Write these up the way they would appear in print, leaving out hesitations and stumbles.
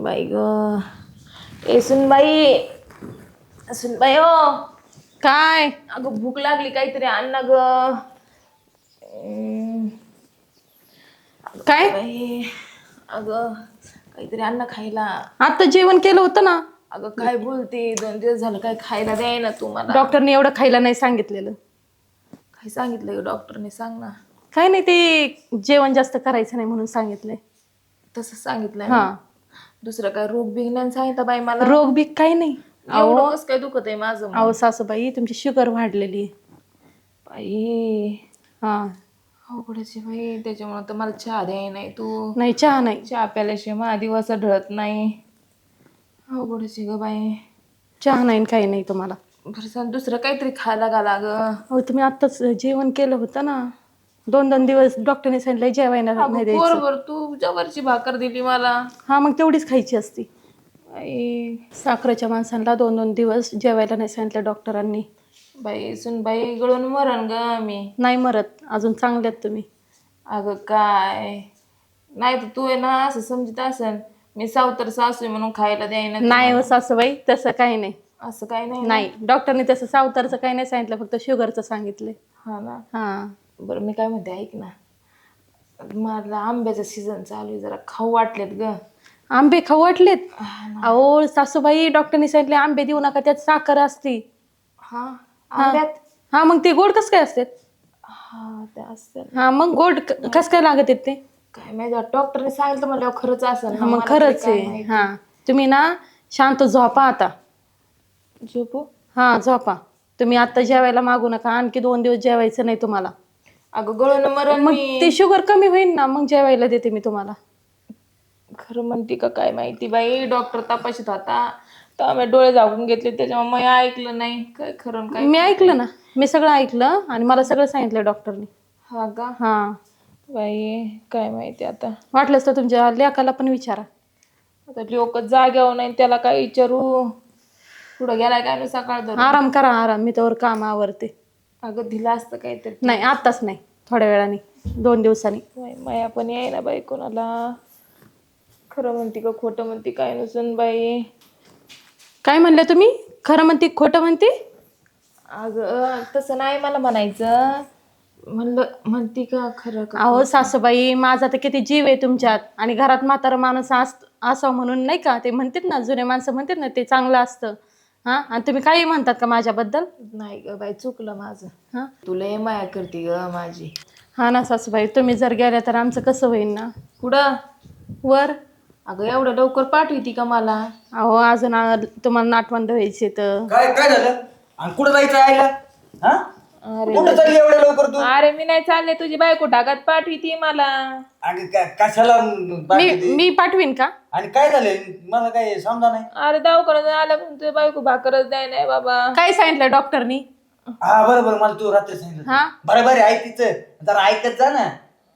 बाई ग. ए सुनबाई, सुनबाई हो. काय अगं भूक लागली, काहीतरी आण ना ग. काय बाई अगं काहीतरी आण ना खायला. आता जेवण केलं होतं ना. अगं काय बोलते, 2 दिवस झालं काय खायला द्याय ना तू मला. डॉक्टरने एवढं खायला नाही सांगितलेलं. काय सांगितलं ग डॉक्टरने, सांग ना. काय नाही, ते जेवण जास्त करायचं नाही म्हणून सांगितलंय. तसं सांगितलंय हा. ना. दुसरं काय रोग बिघण्यान सांगितलं बाई मला. रोग बी काही नाही. एवढं कसं काय दुखत आहे माझं मग? अहो सासूबाई, तुमची शुगर वाढलेली. बाई हा. अवघडच बाई, त्याच्यामुळे तर मला चहा द्याय नाही तू. नाही, चहा नाही. चहा प्याल्याशिवाय माझा दिवस ढळत नाही. अवघडच ग बाई. चहा नाही काही नाही तुम्हाला. बरं सांग, दुसरं काहीतरी खायला घाला ग. अहो तुम्ही आत्ताच जेवण केलं होतं ना. 2-2 दिवस डॉक्टरने सांगितलं जेवायला नाही द्यायचं. बरोबर, तू जवळची भाकर दिली मला. हा, मग तेवढीच खायची असती. बाई साखरेच्या माणसांना 2-2 दिवस जेवायला नाही सांगितलं डॉक्टरांनी. बाई सुन बाई, गळून मरण ग मी. नाही मरत, अजून चांगल्यात तुम्ही. अगं काय नाही, तर तू आहे ना असं समजत असेल मी सावतर सासू आहे म्हणून खायला द्यायला. नाही हो सासूबाई, तसं काही नाही. असं काही नाही ना? नाही, डॉक्टरने तसं सावतारचं काही नाही सांगितलं, फक्त शुगरचं सांगितलंय. हा ना. हा. बरं मी काय म्हणते, ऐक ना. मला आंब्याचं सीझन चालू आहे, जरा खाऊ वाटलेत ग. आंबे खाऊ वाटलेत? अहो सासूबाई, डॉक्टरने सांगितले आंबे देऊ नका, त्यात साखर असते. हा आंब्यात? हा, मग ते गोड कसं काय असतात? हा ते असतं. हा, मग गोड कसं काय लागत आहेत ते? काय माहिती, डॉक्टरने सांगितलं म्हणल्यावर खरंच असेल ना. मग मला खरंच तरी काय आहे. माहिती. हा, तुम्ही ना शांत झोपा आता. झोपू? हा, झोपा. तुम्ही आता जेवायला मागू नका, आणखी 2 दिवस जेवायचं नाही तुम्हाला. अगं गळून मरण मग मी. ते शुगर कमी होईल ना, मग जेवायला देते मी तुम्हाला. खरं म्हणते का काय माहिती बाई, डॉक्टर तपासत होता तर मी डोळे झाकून घेतले, त्याच्यामुळे मी ऐकलं नाही काय खरं काय. मी ऐकलं ना, मी सगळं ऐकलं आणि मला सगळं सांगितलं डॉक्टरने. हा का? हा. बाई काय माहिती आता. वाटलंच तर तुमच्या लेकाला पण विचारा. आता लोक जाग्यावर नाही, त्याला काय विचारू. पुढं गेलाय काय ना सकाळ धरून. आराम करा, आराम. मी तर काम आवरते. अगं दिलं असतं काहीतरी. नाही, आत्ताच नाही, थोड्या वेळाने, 2 दिवसांनी. माया पण याय ना बाई कोणाला. खरं म्हणते का खोटं म्हणते काय नसून बाई. काय म्हणलं तुम्ही? खरं म्हणते खोटं म्हणते? अगं तसं नाही मला म्हणायचं. म्हणलं म्हणते का खरं का? अहो सासूबाई, माझा तर किती जीव आहे तुमच्यात, आणि घरात म्हातारा माणूस असावं म्हणून नाही का, ते म्हणतात ना, जुने माणसं म्हणतात ना, ते चांगलं असतं. हा, आणि तुम्ही काही म्हणतात का माझ्याबद्दल? नाही ग बाई, चुकलं माझं. हा. तुला माया करते ग माझी. हा ना सासूबाई, तुम्ही जर गेल्या तर आमचं कसं होईल ना. कुठं? वर. अगं एवढं लवकर पाठवती का मला? अहो अजून तुम्हाला नातवंड व्हायचे तर. काय काय झालं? आणि कुठं जायचं आईला? हा? अरे कुठं चालली एवढ्या लवकर तू? अरे मी नाही चालले, तुझी बायको ढागात पाठवती मला. अगं कशाला पाठवते? मी पाठवीन का? आणि काय झालंय? मला काय समजा नाही. अरे दवाखान्यात आलं पण तुझी बायको भाकरच द्याय नाही बाबा. काय सांगितलं डॉक्टरनी? हा बरोबर, मला तू रात्री सांगितलं. हा. बरोबर ऐक तिचं, जरा ऐकत जा ना.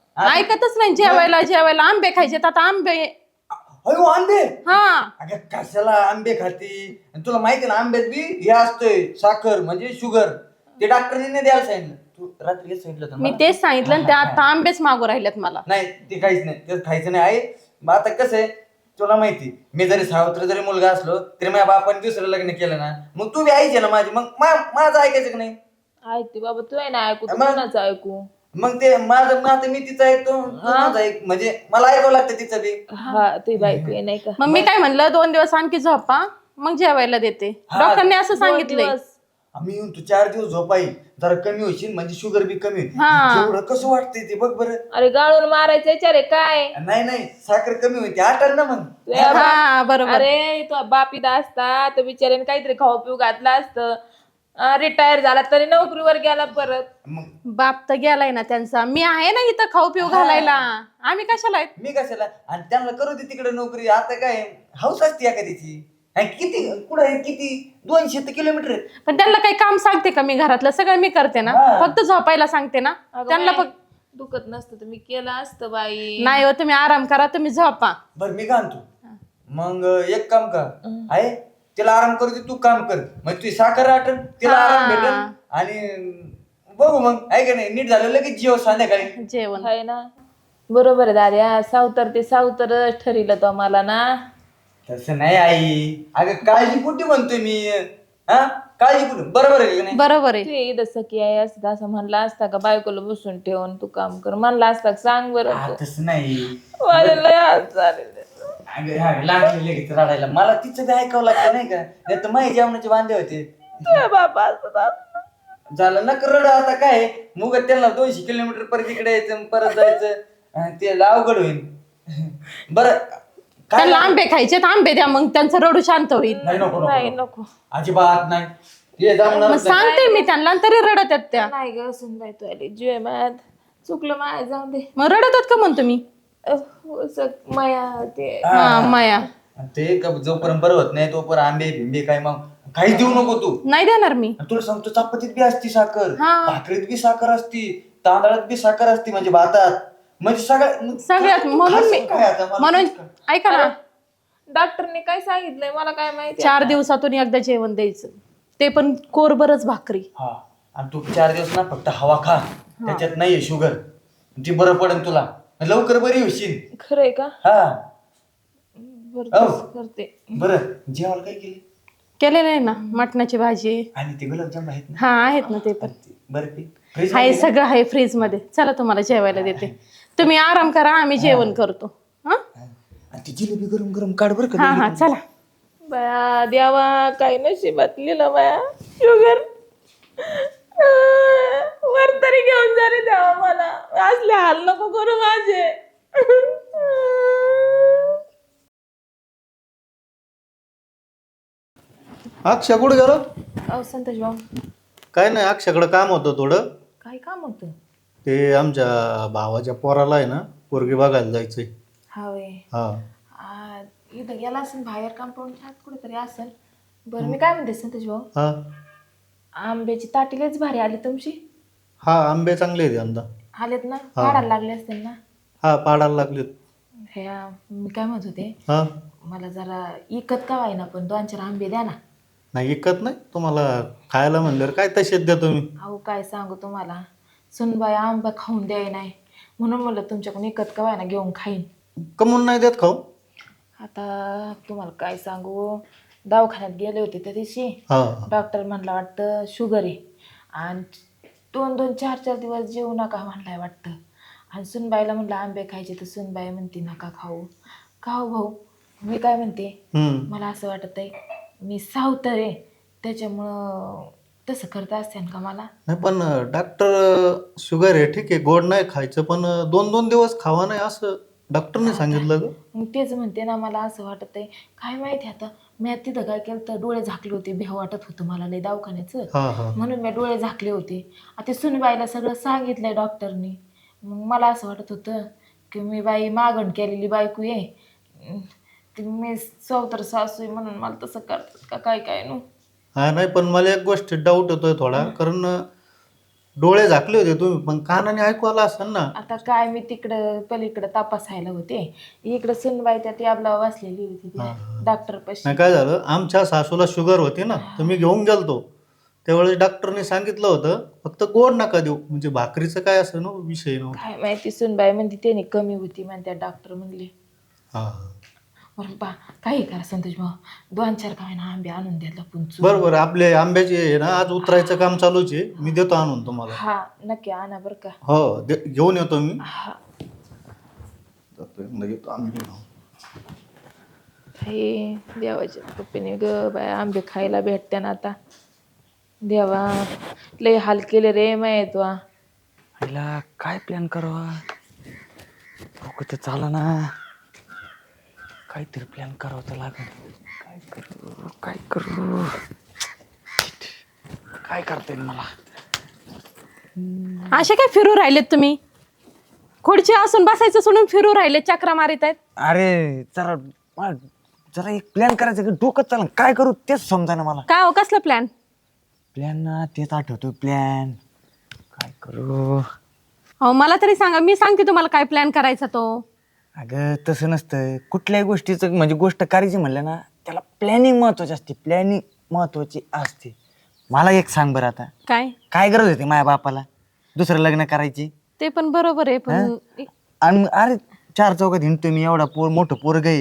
ऐकतच नाही. जेवायला आंबे खायचे, आता आंबे. अयो आंबे. हा. अगं कशाला आंबे खाती? आणि तुला माहिती ना, आंब्यात बी हे असतंय साखर, म्हणजे शुगर. ते डॉक्टरने नाही द्यायला सांगितलं. तू रात्री हेच सांगितलं होतं मी मला. तेच सांगितलं, आणि ते आता आंबेच मागू राहिलेत मला. नाही ते काहीच नाही, ते खायचं नाही आहे. मग आता कसं आहे, तुला माहिती, मी जरी सावत्र जरी मुलगा असलो तरी माझ्या बापाने दुसरं लग्न केलं ना, मग तू बी ऐकायची ना माझी. मग माझं ऐकायचं की नाही? ऐकते बाबा, तू आहे ना ऐकू, तू मग? कोणाचं ऐकू? मग ते माझं नातं मी तिचं ऐकतो, तू माझं ऐक, म्हणजे मला ऐकावं लागतं तिचं बी. हा तुझी बायको आहे नाही का? मग मी काय म्हणलं, 2 दिवस आणखी झोपा, मग जेवायला देते. हा. डॉक्टरने असं 2 सांगितलंय. दिवस. आम्ही येऊन तू 4 दिवस झोपाई, जरा कमी होशील, म्हणजे शुगर बी कमी होईल. हा. एवढं कसं वाटतंय ते बघ बरं. अरे गाळून मारायचं विचार आहे काय? नाही साखर कमी होईल, आटल ना मग. हा बरोबर. अरे तो बापीदा असता तर बिचाऱ्याने काहीतरी खाऊ पिऊ घातलं असतं. रिटायर झाला तरी नोकरीवर गेला परत. मग बाप तर गेलाय ना त्यांचा, मी आहे ना इथं खाऊ पिऊ घालायला. आम्ही कशाला आहेत? मी कशाला? आणि त्यांना करू दे तिकडे नोकरी. आता काय हौस असते एखाद्याची. आणि किती कुठं आहे, किती 200 किलोमीटर आहे. पण त्यांना काही काम सांगते का मी? घरातलं सगळं मी करते ना, हा. फक्त झोपायला सांगते ना त्यांना. बाई, दुखत नसतं तर मी केलं असतं बाई. नाही हो, तुम्ही आराम करा, तुम्ही झोपा. बरं मी का आणतो मग, एक काम कर आहे, तिला आराम करू दे, तू काम कर. मग तुझी साखर आटल, तिला आराम भेटल, आणि बघू मग आहे का नाही. नीट झालं लगेच जेव संध्याकाळी जेवण. आहे ना, बरोबर आहे दाद्या. सावतर ते सावतरच ठरिलं तो मला ना. तसं नाही आई, अगं काळजी कुठे म्हणतोय मी? हा काळजी कुठे? बरोबर आहे का नाही? बरोबर आहे. ते इथं की आहे असं असं म्हणला असता का बायकोला बसून ठेवून तू काम कर म्हणला असता का? सांग बरं हा, तू. तसं नाही. माझ्या लय हात झालेले. अगं हा लागली लगेच रडायला. मला तिचं बी ऐकावं लागतं नाही का? नाही तर माझ्या जेवणाचे वांदे होते. तुझ्या बाबा असतात. झालं ना रड आता काय मुग त्यांना 200 किलोमीटर परत इकडे यायचं परत जायचं ते अवघड होईल. बरं काय त्यांना आंबे खायचे तर आंबे द्या, मग त्यांचं रडू शांत होईल. नाही नको नाही नको नको. अजिबात नाही. हे जमणार मग नाही. सांगते मी त्यांना आणि तरी रडत आहेत त्या. नाही ग सुनबाई तू आली जीव मायात चुकलं माया जाऊ दे. मग रडत आहेत का म्हणतो मी? माया ते हा माया आणि ते जोपर्यंत बरं होत नाही तोपर्यंत आंबे भिंबे काय मग काही देऊ नको तू. नाही देणार मी. आणि तुला सांगतो चपातीत बी असती साखर, हा. भाकरीत बी साखर असती, तांदळात बी साखर असती, म्हणजे भातात म्हणजे सगळ्यात म्हणून मी काय आता मला म्हणून तेच कळ- ऐका ना, डॉक्टरने काय सांगितलंय मला काय माहिती. 4 दिवसातून एकदा जेवण द्यायचं, ते पण कोरभरच भाकरी. हा आणि तू 4 दिवस ना फक्त हवा खा, त्याच्यात नाहीये शुगर, ती बरं पडेल तुला, लवकर बरी होशील. खरंय का? हा बरं हो. तसं करते. बरं जेवायला काय केले? केलेलं आहे ना, मटणाची भाजी. आणि ते गुलाबजाम आहेत ना? हा आहेत ना ते पण. बरं फ्रीज आहे सगळं आहे फ्रीज मध्ये. चला तुम्हाला जेवायला देते, तुम्ही आराम करा, आम्ही जेवण करतो. हा आणि ती जिलेबी गरम गरम काढ बरं का. हा हा चला. बया देवा काय नशिबात लिहिलं बया शुगर. वर तरी घेऊन जा रे देवा, मला असले हाल नको करू माझे. अक्षय कुठं गेलो? अहो संतोष भाऊ काय नाही, अक्षयकडं काम होतं थोडं. काय काम होतं? ते आमच्या भावाच्या पोराला आहे ना पोरगी बघायला जायचंय. हा वे हा इथं गेला असेल बाहेर कंपाऊंडच्या आत कुठेतरी असेल. बरं मी काय म्हणते संतोष भाऊ, हा आंब्याची ताटीलेच भारी आली तुमची. हा आंबे चांगले आहेत यंदा. आलेत ना, पाडायला लागले असतील ना. हा पाडायला लागलेत. ह्या मी काय म्हणत होते, हा मला जरा इकत का वाईना पण 2-4 आंबे द्या ना. नाही विकत नाही, तुम्हाला खायला म्हणल्यावर काय तसेच द्या तुम्ही. अहो काय सांगू तुम्हाला, सुनबाई आंबा खाऊन द्याय नाही म्हणून म्हणलं तुमच्याकडून इकत का वाईना घेऊन खाईन. कमून नाही देत खाऊ. आता तुम्हाला काय सांगू, दवाखान्यात गेले होते त्या दिवशी. हा डॉक्टर म्हणला वाटतं शुगर आहे आणि 2-2, 4-4 दिवस जेवू नका म्हणलाय वाटतं. आणि सुनबाईला म्हणलं आंबे खायचे तर सुनबाई म्हणते नका खाऊ. खाऊ भाऊ, मी काय म्हणते, मला असं वाटत आहे मी सावतर आहे त्याच्यामुळं तसं करता असते का मला. नाही पण डॉक्टर शुगर आहे ठीक आहे, गोड नाही खायचं, पण 2-2 दिवस खावा नाही असं डॉक्टरने सांगितलं ग. मग तेच म्हणते ना, मला असं वाटत आहे काय माहिती. आता मी तिथं काय केलं तर डोळे झाकले होते, भेव वाटत होतं मला लय दवाखान्याचं, हा हा म्हणून मी डोळे झाकले होते. आता सुनबाईला सगळं सांगितलंय डॉक्टरनी. मग मला असं वाटत होतं की मी बाई मागण केलेली बायको आहे, ती मी सावतर सासू आहे म्हणून मला तसं करतात का काय काय नो. हा नाही पण मला एक गोष्ट डाऊट होतोय थोडा, कारण डोळे झाकले होते तुम्ही पण कानाने ऐकू आला असेल ना. आता काय मी तिकडं पलीकडं तपासायला होते, इकडं सुनबाई त्या टॅबला बसलेली होती डॉक्टर पाशी. नाही काय झालं, आमच्या सासूला शुगर होती ना, तर मी घेऊन गेलतो त्यावेळेस डॉक्टरने सांगितलं होतं फक्त गोड नका देऊ, म्हणजे भाकरीचं काय असं ना विषय नव्हता. काय माहिती सुनबाई म्हणते त्याने कमी होती म्हणते डॉक्टर म्हणले. हा बरं बा काही करा संतोष भाऊ, 2-4 काय ना आंबे आणून द्यायला पुंचू. बरं बरं, आपले आंब्याचे आहे ना आज उतरायचं काम चालूच आहे, मी देतो आणून तुम्हाला. हा नक्की आणा बरं का. हो घेऊन येतो मी. हा येतो आंबे घेऊन. हे देवाच्या कृपेने ग बाय आंबे खायला भेटते ना आता. देवा लय हाल केले रे माहित वा. आईला काय प्लॅन करावा, डोकं तर चाला ना, काहीतरी प्लॅन करावं तर लागेल. काय करू काय करता येईल मला. असे काय फिरू राहिलेत तुम्ही? खुर्ची असून बसायचं सोडून फिरू राहिले, चक्रा मारित आहेत. अरे जरा एक प्लॅन करायचं की डोकं चाला, काय करू तेच समजा ना मला. काय हो, कसला प्लॅन? प्लॅन ना तेच आठवतो प्लॅन, काय करू. हो मला तरी सांगा, मी सांगते तुम्हाला काय प्लॅन करायचा तो. अगं तसं नसतं, कुठल्याही गोष्टीचं म्हणजे गोष्ट करायची म्हणलं ना त्याला प्लॅनिंग महत्वाची असते, प्लॅनिंग महत्वाची असते. मला एक सांग बरं, आता काय काय गरज होती माझ्या बापाला दुसरं लग्न करायची? ते पण बरोबर आहे, पण आणि अरे 4 चौकात हिंडतोय मी, एवढा मोठं पोरग आहे,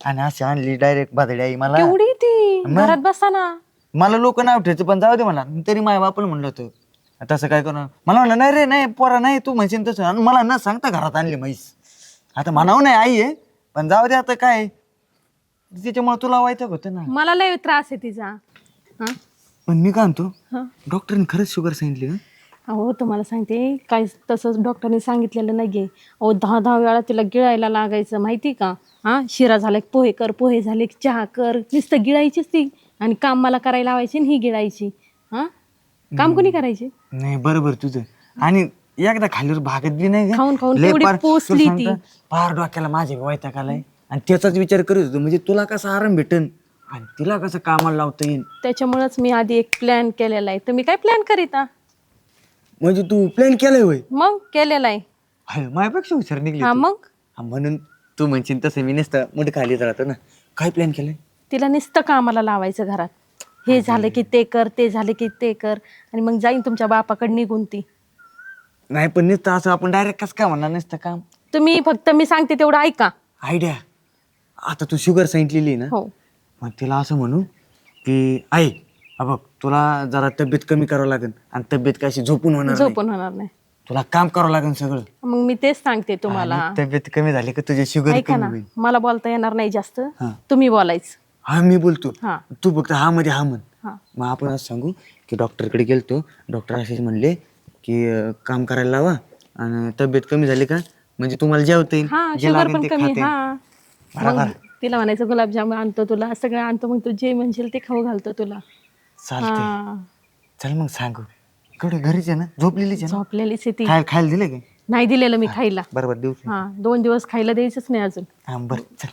आणि अशी आणली डायरेक्ट बादडी आई मला. केवढी ती मग? घरात बसा ना. मला लोक नाव ठेवायचं पण जाऊ दे मला. तरी माझ्या बापाला म्हणलं होतं तसं काय करू. मला म्हणलं नाही रे नाही पोरा नाही तू म्हणशील तसं. आणि मला न सांगता घरात आणली म्हैस. आता म्हणावं नाही आई आहे पण जाऊ दे आता काय तिच्यामुळे तुला व्हायचं होतं ना. मला लय त्रास आहे तिचा. हा पण मी काय म्हणतो हा. डॉक्टरने खरंच शुगर सांगितली का? अहो तुम्हाला सांगते काही तसंच डॉक्टरने सांगितलेलं नाही आहे. अहो 10 वेळा तिला गिळायला लागायचं माहिती का. हा शिरा झाला की पोहे कर, पोहे झाले की चहा कर, नुसतं गिळायचीच ती. आणि काम मला करायला लावायची आणि ही गिळायची. हा काम कोणी करायचे. नाही बरोबर तुझं. आणि एकदा खालीवर भागत बी नाही का? खाऊन खाऊन लय केवढी पार- पोसली तुला ती. सांगतो, पार डोक्याला माझे वैताग आलाय. आणि त्याचाच विचार करत होतो म्हणजे तुला कसा आराम भेटन आणि तिला कसं कामाला लावता येईल. त्याच्यामुळेच मी आधी एक प्लॅन केलेला आहे. तुम्ही काय प्लॅन करीता. म्हणजे तू प्लॅन केलाय होय. मग केलेला आहे. हाय, माझ्यापेक्षा हुशार निघली हा तू. मग हा, म्हणून तू म्हणशील तसं मी नसतं मोठे खालीच राहतो ना. काय प्लॅन केलाय? तिला नुसतं कामाला लावायचं घरात. हे झालं की ते कर, ते झालं की ते कर, आणि मग जाईन तुमच्या बापाकडे निघून ती. नाही पण नुसतं असं आपण डायरेक्ट कसं काय म्हणणार नसतं काम. तुम्ही फक्त मी सांगते तेवढं ऐका. आयडिया. आता तू शुगर सांगितलेली ना हो मग तिला असं म्हणू की आई बघ तुला जरा तब्येत कमी करावं लागेल आणि तब्येत कशी झोपून होणार नाही. झोपून होणार नाही. तुला काम करावं लागेल सगळं. मग मी तेच सांगते तुम्हाला. आणि तब्येत कमी झाली का तुझी शुगर ऐका कमी ना होईल. मला बोलता येणार नाही जास्त. हा. तुम्ही बोलायचं. हा मी बोलतो हा तू फक्त हा मध्ये हा म्हण. हा मग आपण असं सांगू की डॉक्टरकडे गेलतो. डॉक्टर असेच म्हणले की काम करायला लावा आणि तब्येत कमी झाली का म्हणजे तुम्हाला जेवता येईल. हा जे शुगर लागेल पण ते कमी. खाता येईल. हा बरोबर. मग तिला म्हणायचं गुलाबजाम आणतो तुला, सगळं आणतो, मग तू जे म्हणशील ते खाऊ घालतो तुला. चालतंय. हा चल मग सांगू. इकडे घरीच आहे ना झोपलेलीच आहे ना. झोपलेलीच आहे ती. खायला दिले का? नाही दिलेलं मी खायला. बरोबर देऊ. हा 2 दिवस खायला द्यायचंच नाही अजून. हा बरं चल.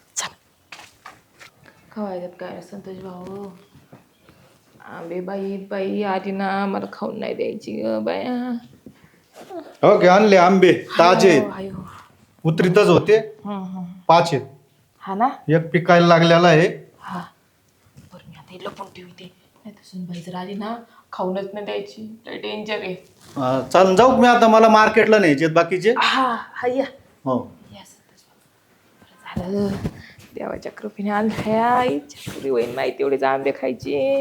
खवायच्यात काय संतोष भाऊ. आंबे बाई बाई आली ना मला खाऊन नाही द्यायची ग बाया. ओके आणले आंबे ताजे आहेत. आयो. उतरीतच होते. 5 आहेत. हा ना. एक पिकायला लागलेला आहे. हा बरं मी आता हे लपून ठेवते. नाही तर सुनबाई जर आली ना खाऊनच नाही द्यायची. लय डेंजर आहे. चालन जाऊ मी आता. मला मार्केटला न्यायचे बाकीचे. हा हा या हो या संतोष भाऊ. बरं झालं देवाच्या कृपेने आणल्या. आईच्या पुरी होईन माहिती एवढेच आंबे खायचे.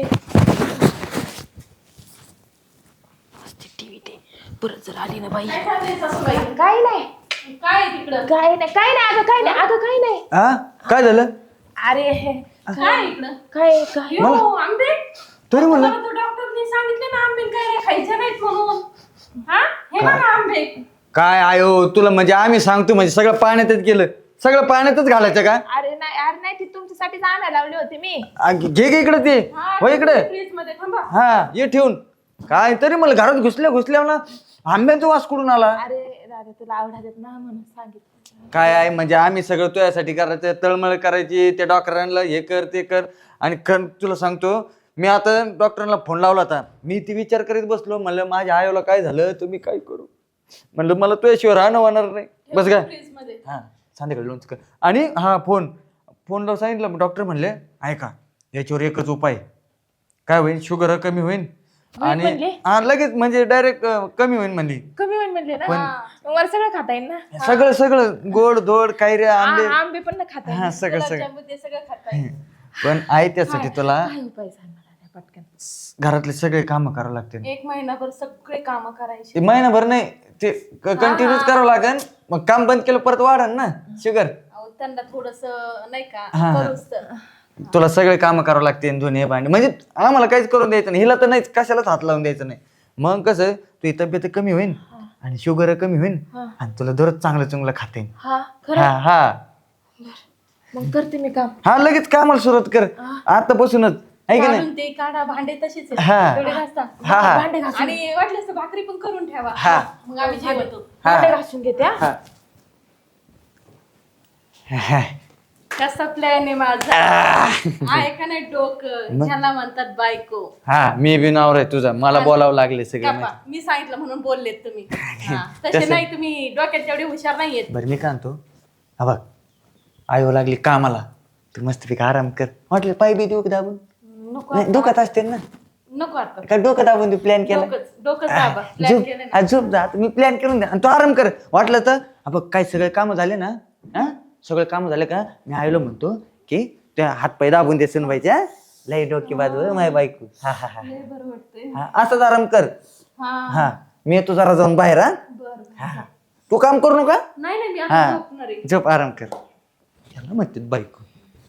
मस्त टीव्ही ते परत जर आली ना बाई. काय नाही काय तिकडं काय नाही काय नाही अगं काय नाही अगं काय नाही. हा काय झालं? अरे काय इकडं काय काय आंबे. तरी म्हणलं डॉक्टरने सांगितले ना आंबे काय खायचे नाहीत म्हणून. हा हे बघा आंबे. काय आयो तुला म्हणजे आम्ही सांगतो म्हणजे सगळं पाण्यातच गेलं. सगळं पाण्यातच घालायचं का? अरे नाही ती तुमच्यासाठीच आणायला लावली होती मी. घे घे इकडे ते. हो इकडे. फ्रीज मध्ये थांबा. हा ये ठेवून. काय तरी मला घरात घुसल्या ना आंब्यांचा वास कुठून आला? अरे दादा तुला आवडतात ना म्हणून सांगितलं. काय आहे म्हणजे आम्ही सगळं तुझ्यासाठी करायचं. तळमळ करायची त्या डॉक्टरांना हे कर ते कर. आणि तुला सांगतो मी आता डॉक्टरांना फोन लावला होता. मी ती विचार करीत बसलो म्हणलं माझ्या आईला काय झालं तुम्ही काय करू. म्हणलं मला तुझ्याशिवाय राहणं होणार नाही. बस काय फ्रीज मध्ये. हा संध्याकाळी लोणचं कर. आणि हा फोनला सांगितलं डॉक्टर म्हणले ऐका याच्यावर एकच उपाय काय होईल शुगर कमी होईल आणि हा लगेच म्हणजे डायरेक्ट कमी होईल म्हणली. कमी होईल म्हणले ना मग मला सगळं खाता येईल ना. सगळं गोड धोड काय रे आंबे आंबे पण ना खाता येईल. हा सगळं ते सगळं खाता येईल. पण आहे त्यासाठी तुला काय उपाय सांग मला त्या पटकन. घरातले सगळे काम करावं लागते. 1 महिनाभर सगळे काम करायचे. ते महिनाभर नाही ते कंटिन्यूच करावं लागेल. मग काम बंद केलं परत वाढन ना शुगर. अहो, त्यांना थोडस नाही का हा. करूच तर. तुला सगळे काम करावं लागते धुणे भांडे म्हणजे आम्हाला काहीच करून द्यायचं नाही. हिला तर नाहीच कशालाच हात लावून द्यायचं नाही. मग कसं तुझी तब्येत कमी होईल आणि शुगर कमी होईल आणि तुला दररोज चांगलं चांगलं खाता येईल. हा खरं. हा हा मग करते मी काम. हा लगेच कामाला सुरुवात कर आतापासूनच आहे की नाही. काढून ते काढा भांडे तसेच आहेत. हा. तेवढे घासता. हा हा भांडे घासून आणि वाटल्यास तर भाकरी पण करून ठेवा. हा. मग आम्ही जेवतो. भांडे घासून घेते हा. हा. कसा प्लॅन आहे माझा. आहे का नाही डोकं ज्याला म्हणतात बायको. हा मी बी नावर आहे तुझा. मला बोलावं लागले सगळे कापा. मी सांगितलं म्हणून बोललेत तुम्ही. हा. तसे नाही तुम्ही डोक्यात तेवढे हुशार नाहीयेत. बरं मी काय म्हणतो हा बघ आयो लागली कामाला तू मस्तपैकी आराम कर. म्हटलं पाय बी देऊ का दाबून. नको नाही डोक्यात असते ना नको आता. का डोकं दाबून तू प्लॅन केला. डोकंच दाबा. प्लॅन केलं ना. झोप जा मी प्लॅन करून द्या आणि तू आराम कर. वाटलं तर हा बघ काय सगळे काम झाले ना हा सगळं काम झालं का मी आयलो म्हणतो की त्या हात पाय दाबून दे सुनबाईच्या लय डोकी बाजू माझ्या बायको. हा हा हा हा असंच आराम कर. हा मी येतो जरा जाऊन बाहेर. हा तू काम करू नका. हा झोप आराम कर. त्याला म्हणते बायको.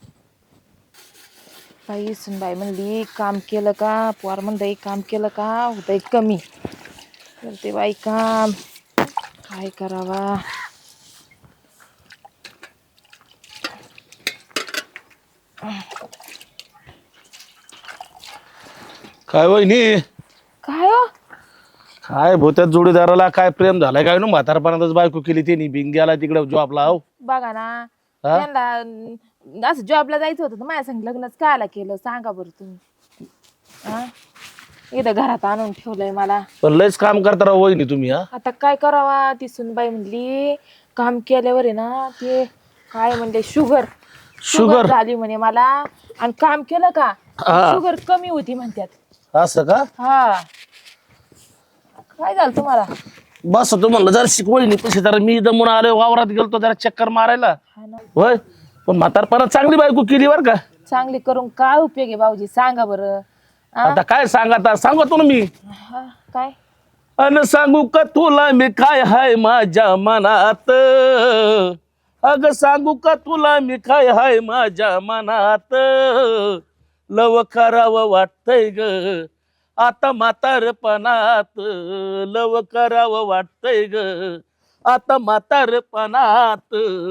बाई सुनबाई म्हणली काम केलं का पोर म्हणतंय काम केलं का होतंय कमी. करते बाई काम काय करावा. काय वहिनी काय हो काय भोत्यात जोडीदाराला काय प्रेम झालाय काय ना म्हातारपणातच बायको केली त्यांनी भिंग्याला तिकडे जॉबला हो. बघा ना हा? त्यांना असं जॉबला जायचं होतं तर माझ्या संग लग्नच कायला केलं सांगा बरं तुम्ही. हा इथं घरात आणून ठेवलंय मला. पण लयच काम करता राव वहिनी तुम्ही. हा आता काय करावा ती सुनबाई म्हणली काम केल्यावर आहे ना ते काय म्हणले शुगर झाली म्हणे मला आणि काम केलं का हा. शुगर कमी होती म्हणतात. असं का हा काय झालं तुम्हाला. बस तू म्हणलं जरा शिकवणी पैसे जरा मी दमून आलो वावरात गेलतो जरा चक्कर मारायला हा ना होय. पण म्हातारपणात चांगली बायको केली बर का. चांगली करून काय उपयोग आहे भाऊजी सांगा बरं. आता काय सांगा सांगतो ना मी. हा, काय अन सांगू का तुला मी काय हाय माझ्या मनात. अग सांगू का तुला मी काय हाय माझ्या मनात. लव करावं वाटतंय ग आता म्हातारपणात. लव करावं वाटतंय ग आता म्हातारपणात.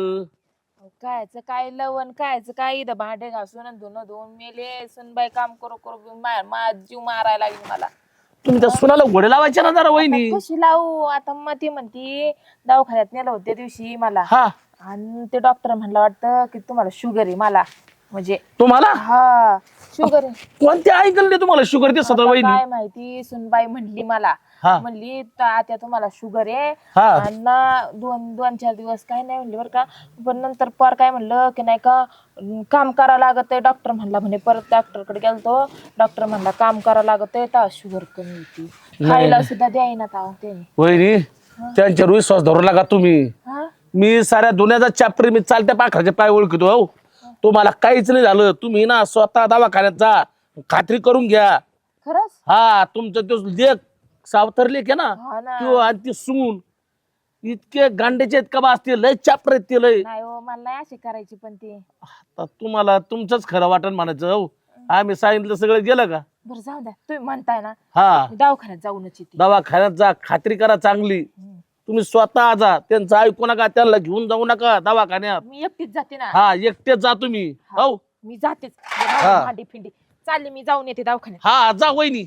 कायचं काय लवण कायचं काय इथं भांडे घासून आणि धुणं धुवून मेले सुनबाई काम करू करू जीव मारायला लागली मला. तुम्ही त्या सुनाला घोडे लावायचे ना जरा वहिनी. कशी लावू आता मग ती म्हणती दवाखान्यात नेलं होतं त्या दिवशी मला हा आणि ते डॉक्टर म्हणलं वाटतं की तुम्हाला शुगर आहे मला म्हणजे तुम्हाला हा शुगर आहे. कोणते ऐकले तुम्हाला शुगर ते सतरा आता वहिनी. काय माहिती सुनबाई म्हणली मला हा. म्हणली त्या तुम्हाला शुगर आहे हा. आणि ना दोन चार दिवस काय नाही म्हणली बरं का. पण नंतर पर काय म्हणलं की नाही का काम करावं लागत आहे डॉक्टर म्हणला म्हणे परत डॉक्टरकडे गेलतो डॉक्टर म्हणला काम करावं लागत आहे तर शुगर कमी होती खायला सुद्धा द्यायना त्याने. वहिनी त्यांच्यावर विश्वास धरू लागा तुम्ही. हा मी साऱ्या दुनियाचा चॅप्टर मी चालत्या पाखराचे पाय ओळखतो हो. तुम्हाला काहीच नाही झालं तुम्ही ना स्वतः दवाखान्यात जा खात्री करून घ्या. खरंच हा तुमचं तो लेख सावतर लेख आहे ना हा ना. तो आणि ती सून इतके गांड्याचे आहेत का बा असते लय चॅप्टर आहेत ते लय. नाही हो मला नाही अशी करायची पण ती. आता तुम्हाला तुमचंच खरं वाटण म्हणायचं हो. आम्ही सांगितलं सगळं गेलं का. बरं जाऊ द्या तुम्ही म्हणताय ना हा मी दवाखान्यात जाऊनच येते. दवाखान्यात जा खात्री करा चांगली. तुम्ही स्वतः जा त्यांचं ऐकू नका त्यांना घेऊन जाऊ नका दवाखान्यात. मी एकटीच जाते ना. हा एकटेच जा तुम्ही हो. मी जातेच हा. भांडी फिंडी चालली मी जाऊन येते दवाखान्यात. हा जा वहिनी.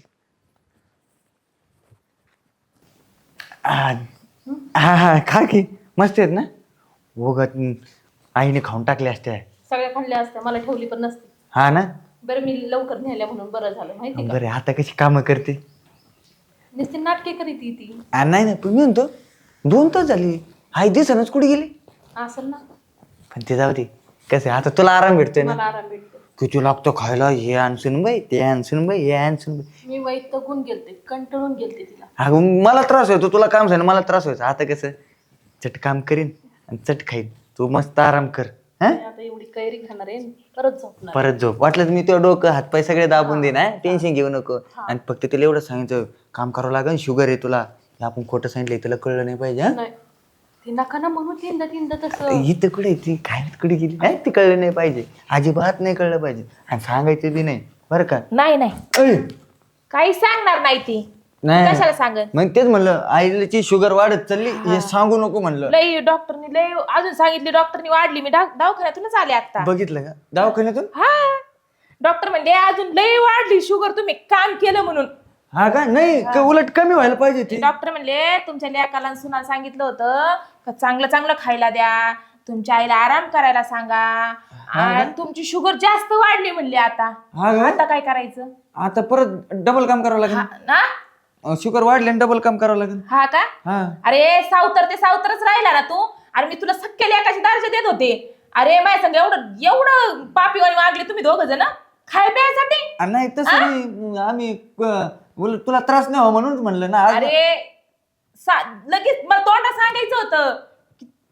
हा हा खा की मस्त आहेत ना. उगत आईने खाऊन टाकले असते. सगळ्या खाल्ल्या असत्या मला ठेवली पण नसती. हा ना. बरं मी लवकर न्यायला म्हणून बरं झालं माहिती का. बरे आता कशी कामं करते. नुसती नाटके करीत ती. नाही ना पण मी म्हणतो 2 तास झाली आई दिसनच कुठे गेली. असेल ना पण ते जाऊ दे कसं आता तुला आराम भेटतोय ना. मला आराम भेटतो. किती लागतो खायला हे आणसून बाई ते आणसून बाई हे आणसून बाई. मी वैतगून गेलते कंटाळून गेलते तिला. अगं मला त्रास व्हायचो तुला काम झालं मला त्रास व्हायचा. आता कसं चट काम करीन आणि चट खाईन तू मस्त आराम कर. हा मी आता एवढी कैरी खाणार आहे परत झोपणार. परत झोप वाटलं तर मी तो डोकं हातपाय सगळे दाबून देईन. टेन्शन घेऊ नको. आणि फक्त तुला एवढं सांगितलं काम करावं लागेल शुगर आहे तुला. हे आपण खोटं सांगितलं तुला कळलं नाही पाहिजे. हा नाही ती नका ना म्हणून तीनदा तसं. ही तर कुठे ती काय कुठे गेली नाही ती कळलं नाही पाहिजे. अजिबात नाही कळलं पाहिजे आणि सांगायचं बी नाही बरं का. नाही नाही ऐ, काही सांगणार नाही ती. नाही कशाला सांगन. मग तेच म्हणलं आईची शुगर वाढत चालली हे सांगू नको म्हणलं. लय डॉक्टरनी लय अजून सांगितली डॉक्टरनी वाढली मी दवाखान्यातूनच आले आता. बघितलं का दवाखान्यातून. हा डॉक्टर म्हणले अजून लय वाढली शुगर तुम्ही काम केलं म्हणून. हा का नाही का उलट कमी व्हायला पाहिजे ती. डॉक्टर म्हणले तुमच्या लेकाला सुना सांगितलं होतं का चांगलं चांगलं खायला द्या तुमच्या आईला आराम करायला सांगा आणि तुमची शुगर जास्त वाढली म्हणली आता. हा का आता काय करायचं. आता परत डबल काम करावं लागेल. ना शुगर वाढले आणि डबल काम करावं लागेल. हा का हा अरे सावतर ते सावतरच राहिला ना तू. अरे मी तुला सख्या लेकाची दर्जा देत होते. अरे माझ्या संग एवढं पापीवाणी वागले तुम्ही दोघ जण खाय प्यायसाठी. नाही तसं नाही आम्ही उलट तुला त्रास नाही हो म्हणून म्हणलं ना आज. अरे लगेच मला तोंडा सांगायचं होतं की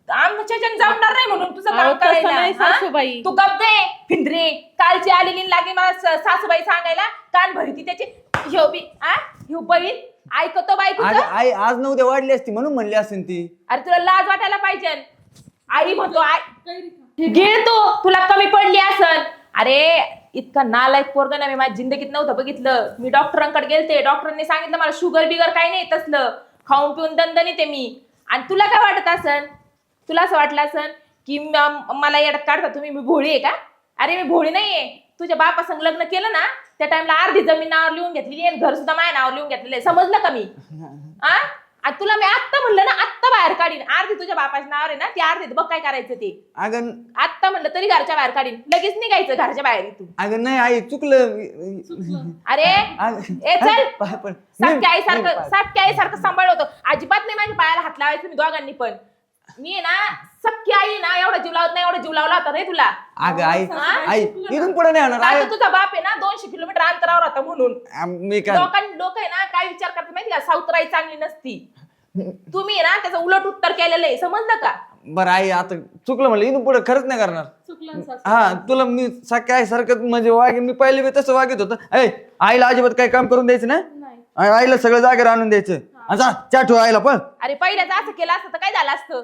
आमच्या जण जमणार नाही म्हणून तुझं अहो, काम तसं नाही करायला हा? सासूबाई. तू गप दे फिंदरे. कालची आलेली लागे मला सासूबाई सांगायला कान भरती त्याची ह्यो बी ह्यो बैल ऐकतो बायकोचं. आई आज न उद्या वाढली असती म्हणून म्हणली असेल ती. अरे तुला लाज वाटायला पाहिजे. आई म्हणतो आई घे तू तुला कमी पडली असन. अरे इतका नालायक पोरगा ना मी माझ्या जिंदगीत नव्हतं बघितलं. मी डॉक्टरांकडे गेलते, डॉक्टरांनी सांगितलं मला शुगर बिगर काही नाही तसलं, खाऊन पिऊन दणदणीत आहे मी. आणि तुला काय वाटत असन, तुला असं वाटलं असन की मला येड्यात काढता तुम्ही, मी भोळी आहे का? अरे मी भोळी नाहीये. तुझ्या बापासंग लग्न केलं ना त्या टाइमला अर्धी जमीन नावावर लिहून घेतलेली आहे, घर सुद्धा माझ्या नावावर लिहून घेतलेलं आहे. समजलं का मी? आणि तुला मी आत्ता म्हणलं ना आत्ता बाहेर काढीन. अर्धी तुझ्या बापाच्या नावावर आहे ना, ती अर्धी बघ काय करायचं ते. अगं आत्ता म्हणलं तरी घरच्या बाहेर काढीन. लगेच निघायचं घरच्या बाहेर इथून. अगं नाही आई चुकलं. अरे ए चल. पण सख्या आईसारखं सांभाळ होतं. अजिबात नाही माझ्या पायाला हात लावायचं तुम्ही दोघांनी पण. मी आहे ना सख्खी आई ना एवढा जीव लावत नाही, एवढा जीव लावला होता रे तुला. अगं आई इथून पुढे नाही होणार. आता तुझा बाप आहे ना 200 किलोमीटर अंतरावर होता म्हणून. मी काय लोक आहे ना काय विचार करतात माहिती का, सावतराई चांगली नसती. तुम्ही ना त्याचं उलट उत्तर केलेलं आहे, समजलं का? बरं आई आता चुकलं म्हणलं इथून पुढे खरंच नाही करणार. हा तुला मी सारखं आहे सारखं म्हणजे वागे मी पहिले बी तसं वागत होतं. आईला अजिबात काही काम करून द्यायचं ना, आईला सगळं जागेवर आणून द्यायचं. जा चहा ठेव आईला पण. अरे पहिल्याच असं केलं असतं तर काय झालं असतं?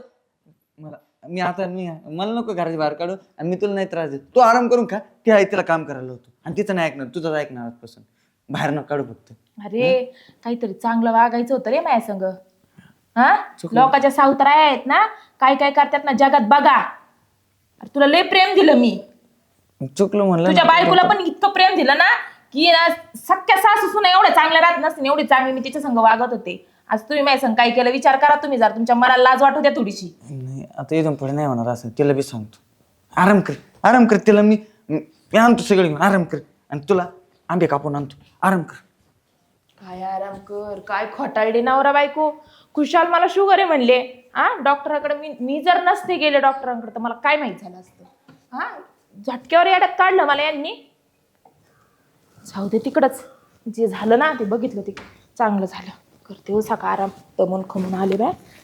मला नको घराच्या बाहेर काढू आणि मी तुला नाही त्रास देत. तू आराम करून खा. ती आई तिला काम करायला होतो आणि तिचं नाही ऐकणार, तुझंच ऐकणार आजपासून. बाहेर नको काढू फक्त. अरे काहीतरी चांगलं वागायचं होतं रे माझ्या संग. हा लोकांच्या सावतराया आहेत ना, काय काय करतात ना जगात बघा. तुला लय प्रेम दिलं मी. चुकलं म्हणलं. तुझ्या बायकोला पण इतकं प्रेम दिलं ना की ना सख्या सासू सुना एवढ्या चांगल्या राहत नसते, एवढी चांगली मी तिच्या संग वागत होते. आज तुम्ही माझ्या संग काय केलं विचार करा तुम्ही. जर तुमच्या मनाला लाज वाटू द्या थोडीशी. नाही आता इथून पुढे नाही होणार असं. तिला बी सांगतो आराम कर. तिला मी आणतो सगळं घेऊन. आराम कर आणि तुला आंबे कापून आणतो. आराम कर. काय आराम कर, काय खोटाळले नवरा बायको. खुशाल मला शुगर आहे म्हणले. डॉक्टरांकडे मी जर नसते गेले डॉक्टरांकडे तर मला काय माहित झालं असतं. झटक्यावर याड्यात काढलं मला यांनी. जाऊ दे तिकडच, जे झालं ना ते बघितलं ते चांगलं झालं. करते हो सका आराम, दमून खमून आले बाय.